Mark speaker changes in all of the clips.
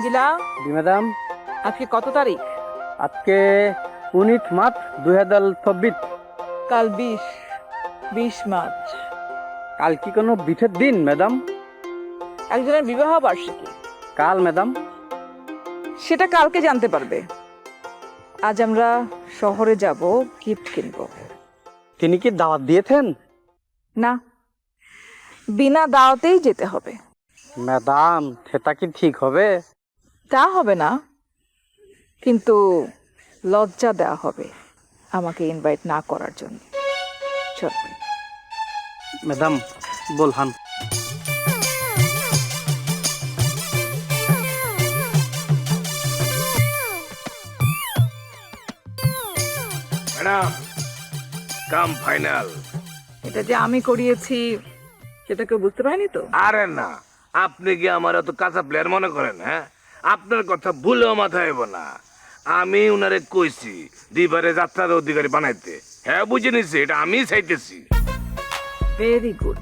Speaker 1: রঙ্গিলা,
Speaker 2: জি ম্যাডাম।
Speaker 1: আজকে কত তারিখ?
Speaker 2: আজকে 19 মার্চ 2024।
Speaker 1: কাল 20 মার্চ।
Speaker 2: কাল কি কোনো বিশেষ দিন ম্যাডাম?
Speaker 1: একজনের বিবাহ বার্ষিকী।
Speaker 2: কাল ম্যাডাম।
Speaker 1: সেটা কালকে জানতে পারবে। আজ আমরা শহরে যাব, গিফট কিনবো।
Speaker 2: তিনি কি দাওয়াত দিয়েছেন?
Speaker 1: না, বিনা দাওয়াতেই যেতে হবে।
Speaker 2: ম্যাডাম, সেটা কি ঠিক হবে?
Speaker 1: তা হবে না, কিন্তু লজ্জা দেওয়া হবে আমাকে ইনভাইট না করার জন্য। চল।
Speaker 2: ম্যাডাম বলহান।
Speaker 3: Madam, come final.
Speaker 1: এটা যে আমি করিয়েছি সেটা কেউ বুঝতে পারেনি তো?
Speaker 3: আরে না, আপনি কি আমার এত কাঁচা প্লেয়ার মনে করেন? হ্যাঁ, আপনার কথা ভুলেও মাথায় আইব না। আমি উনারে কইছি দিবারে যাত্রার অধিকারী বানাইতে। হ্যাঁ, বুঝে নিছি, এটা আমি চাইতেছি।
Speaker 1: Very good.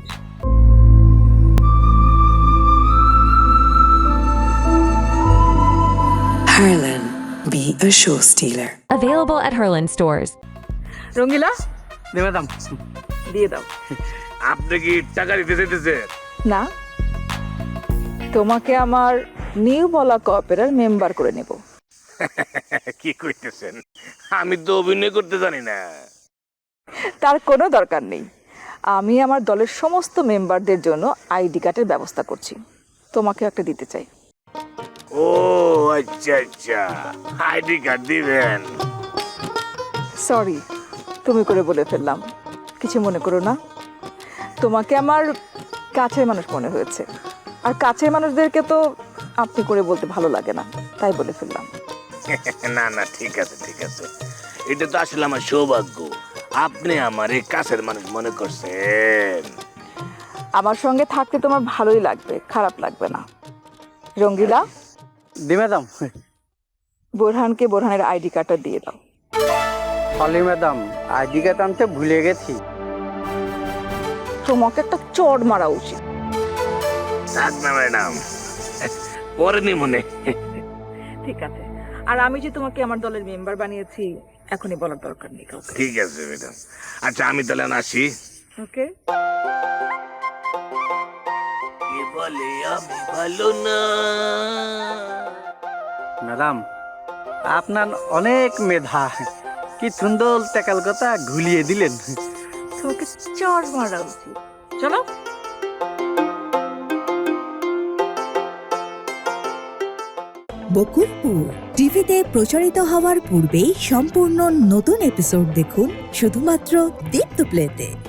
Speaker 4: Harlan, be a show stealer.
Speaker 5: Available at Herland stores.
Speaker 1: Rangeela,
Speaker 2: জি ম্যাডাম।
Speaker 1: দিয়ে দাও।
Speaker 3: আপনি কি টাকা দিতে চাইতেছেন?
Speaker 1: না, তোমাকে আমার নিউ বলা কপেরার মেম্বার করে নেব।
Speaker 3: কি কইতেছেন? আমি তো অভিনয় করতে জানি না।
Speaker 1: তার কোনো দরকার নেই। আমি আমার দলের সমস্ত মেম্বারদের জন্য আইডি কার্ডের ব্যবস্থা করছি। তোমাকে একটা দিতে চাই।
Speaker 3: ও আচ্ছা আচ্ছা, আইডি কার্ড দিবেন?
Speaker 1: সরি, তুমি করে বলে ফেললাম, কিছু মনে করো না। তোমাকে আমার কাছের মানুষ মনে হয়েছে, আর কাছের মানুষদেরকে তো আপনি করে বলতে ভালো লাগে না, তাই বলে ফেললাম।
Speaker 3: না না, ঠিক আছে ঠিক আছে, এটা তো আসলে আমার সৌভাগ্য। আপনি আমার এই কাছের মানুষ মনে করছেন।
Speaker 1: আমার সঙ্গে থাকতে তোমার ভালোই লাগবে, খারাপ লাগবে না। রঙ্গিলা,
Speaker 2: জি ম্যাডাম।
Speaker 1: বোরহানকে বোরহানের আইডি কার্ডটা দিয়ে দাও।
Speaker 2: সরি ম্যাডাম, আইডি কার্ড আনতে ভুলে গেছি।
Speaker 1: তোমাকে একটা চড় মারা উচিত।
Speaker 3: থাক না ম্যাডাম, পরে নি মনে।
Speaker 1: ঠিক আছে, আর আমি যে তোমাকে আমার দলের মেম্বার বানিয়েছি এখনই বলার দরকার নেই কাউকে।
Speaker 3: ঠিক আছে ম্যাডাম। আচ্ছা, আমি তাহলে আসি।
Speaker 1: ওকে।
Speaker 3: কে বলে আমি ভালো না?
Speaker 2: ম্যাডাম, আপনার অনেক মেধা। কি সুন্দর টেকাল কথা ঘুলিয়ে দিলেন।
Speaker 1: তোমাকে চড় মারা উচিত। চলো।
Speaker 6: বকুলপুর টিভিতে প্রচারিত হওয়ার পূর্বেই সম্পূর্ণ নতুন এপিসোড দেখুন শুধুমাত্র দীপ্ত প্লেতে।